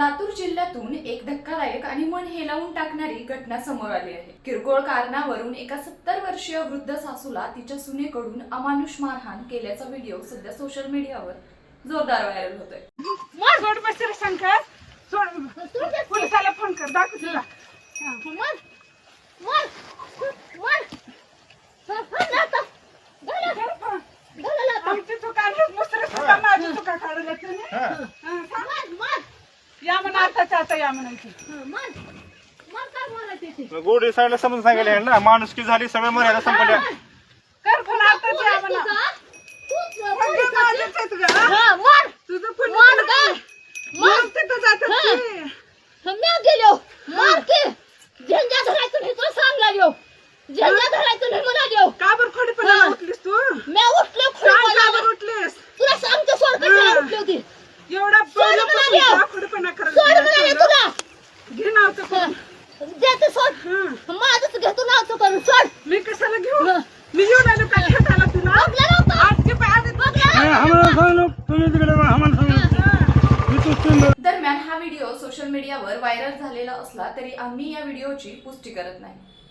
लातूर जिल्ह्यातून एक धक्कादायक आणि मन हेलावून टाकणारी घटना समोर आली आहे। किरकोळ कारणावरून एका 70 वर्षीय वृद्ध सासूला तिच्या सुनेकडून अमानुष मारहाण केल्याचा व्हिडिओ सध्या सोशल मीडियावर जोरदार व्हायरल होतोय। मार सोड बसरे शंकर सोड पोलिसाला फोन कर दाखव तुला मार मार मार आमची दुकान मुसरे सुद्धा माझी दुकान काढलं तुम्ही या म्हणा आता या म्हणायची गोडी साईडला समजून सांगायला ना माणुसकी झाली सगळं मर्यादा संपल्या कर फोन आता या म्हणा तुझं फोन मार तिथं जात म्या गेलो मार के झंझा धरायचं नाही तो सांगला देव झंझा धरायचं नाही मला देव का बरं खोडीपणा उठलीस तू म्या उठलो का बरं उठलीस तुला सांगतो सोड कशाला उठली होती एवढा खोडीपणा करत सोड म्हणाले तुला घे नावचं देते सोड माझंच घेतो नावचं करून सोड मी कशाला घेऊ मी येऊन आलो का खेळायला तुला बघला नव्हतं आजची पाय दरम्यान हा व्हिडिओ सोशल मीडियावर व्हायरल झालेला असला तरी आम्ही या व्हिडिओची पुष्टी करत नाही।